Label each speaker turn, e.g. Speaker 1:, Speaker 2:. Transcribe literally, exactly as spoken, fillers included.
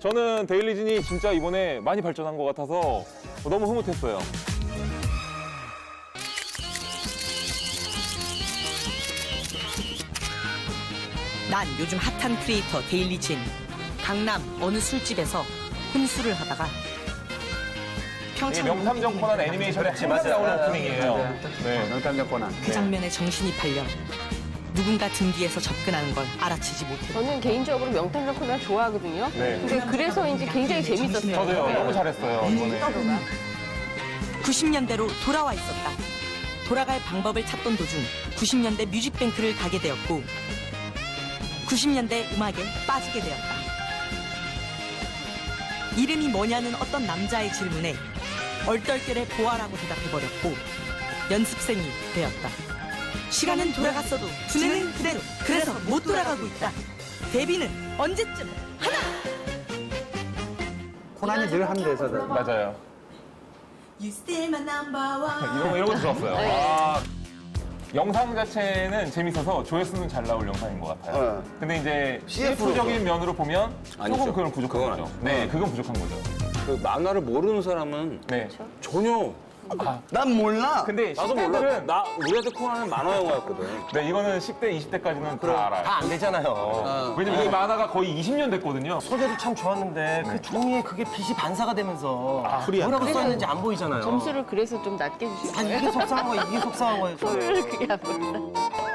Speaker 1: 저는 데일리진이 진짜 이번에 많이 발전한 것 같아서 너무 흐뭇했어요.
Speaker 2: 난 요즘 핫한 크리에이터 데일리진. 강남 어느 술집에서 혼술을 하다가
Speaker 1: 이게
Speaker 2: 평창
Speaker 1: 명탐정 코난 애니메이션에 항상 나오는 오프닝이에요. 네.
Speaker 3: 명탐정 코난.
Speaker 2: 그 장면에 정신이 팔려 누군가 등 뒤에서 접근하는 걸 알아채지 못해.
Speaker 4: 저는 개인적으로 명탐정 코난 좋아하거든요.
Speaker 1: 네.
Speaker 4: 근데 그래서인지 굉장히 재밌었어요.
Speaker 1: 저도요. 너무 잘했어요, 이번에.
Speaker 2: 구십 년대로 돌아와 있었다. 돌아갈 방법을 찾던 도중 구십 년대 뮤직뱅크를 가게 되었고 구십 년대 음악에 빠지게 되었다. 이름이 뭐냐는 어떤 남자의 질문에 얼떨결에 보아라고 대답해버렸고 연습생이 되었다. 시간은 돌아갔어도 두뇌는 그대로. 그래서 못 돌아가고 있다. 데뷔는 언제쯤 하나.
Speaker 3: 코난이 늘 한 대사다.
Speaker 1: 맞아요.
Speaker 2: You still my number one.
Speaker 1: 이런 거, 이런 것도 좋았어요. 아, 영상 자체는 재밌어서 조회수는 잘 나올 영상인 것 같아요.
Speaker 3: 어.
Speaker 1: 근데 이제
Speaker 5: 씨에프로
Speaker 1: 씨에프적인 면으로 보면
Speaker 5: 아니죠.
Speaker 1: 조금 그건 부족한
Speaker 5: 그건
Speaker 1: 거죠.
Speaker 5: 아니죠.
Speaker 1: 네, 그건 부족한 거죠.
Speaker 5: 그 만화를 모르는 사람은
Speaker 1: 네.
Speaker 5: 전혀.
Speaker 3: 난 몰라.
Speaker 1: 근데
Speaker 5: 나도 몰라.
Speaker 1: 십대들은
Speaker 5: 나 우리한테 코난은 만화 영화였거든.
Speaker 1: 네, 이거는 십 대, 이십 대까지는 다 알아요.
Speaker 6: 다 안 되잖아요.
Speaker 1: 왜냐면 이 만화가 거의 이십 년 됐거든요.
Speaker 6: 소재도 참 좋았는데 그 종이에 그게 빛이 반사가 되면서 뭐라고 써있는지 안 보이잖아요.
Speaker 4: 점수를 그래서 좀 낮게 주신
Speaker 6: 아니
Speaker 4: 거예요?
Speaker 6: 이게 속상한 거야, 이게 속상한 거예요.
Speaker 4: 저를 그게 안 보인다.